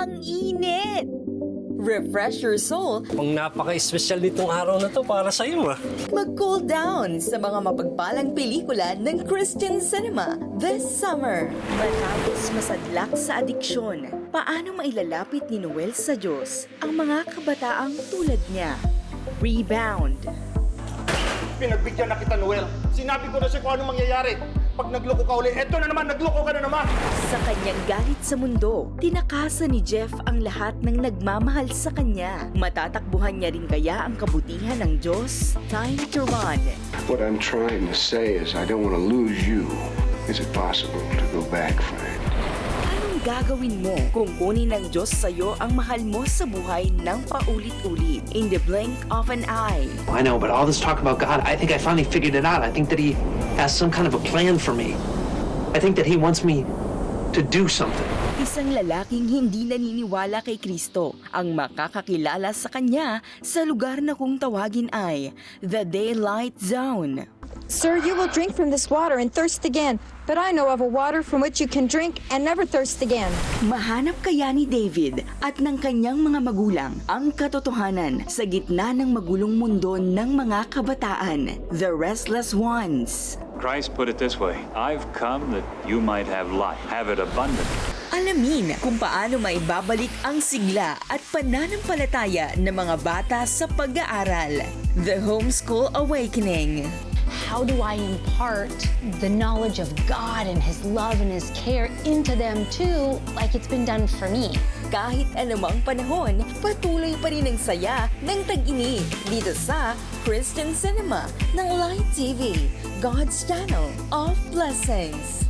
Ang init! Refresh your soul, Ang napaka-espesyal nitong araw na to para sa iyo. mag-cool down sa mga mapagpalang pelikula ng Christian cinema this summer. Matapos masadlak sa adiksyon, paano mailalapit ni Noel sa Diyos ang mga kabataang tulad niya? Rebound. Pinagbigyan na kita, Noel. Sinabi ko na siya kung anong mangyayari. Pag nagloko ka uli, eto na naman, nagloko ka na naman. Sa kanyang galit sa mundo, tinakasan ni Jeff ang lahat ng nagmamahal sa kanya. Matatakbuhan niya rin kaya ang kabutihan ng Diyos? Time to run. What I'm trying to say is I don't want to lose you. Is it possible to go back, friend? Anong gagawin mo kung kunin ng Diyos sa'yo ang mahal mo sa buhay ng paulit-ulit? In the blink of an eye. I know, but all this talk about God, I think I finally figured it out. I think that He has some kind of a plan for me. I think that He wants me to do something. Isang lalaking hindi naniniwala kay Kristo ang makakakilala sa kanya sa lugar na kung tawagin ay The Daylight Zone. Sir, you will drink from this water and thirst again, but I know of a water from which you can drink and never thirst again. Mahanap kaya ni David at ng kanyang mga magulang ang katotohanan sa gitna ng magulong mundo ng mga kabataan, the restless ones. Christ put it this way, I've come that you might have life, have it abundant. Alamin kung paano maibabalik ang sigla at pananampalataya ng mga bata sa pag-aaral. The Homeschool Awakening. How do I impart the knowledge of God and His love and His care into them too, like it's been done for me? Kahit anumang panahon, patuloy pa rin ang saya ng tag-init dito sa Christian Cinema ng Light TV, God's Channel of Blessings.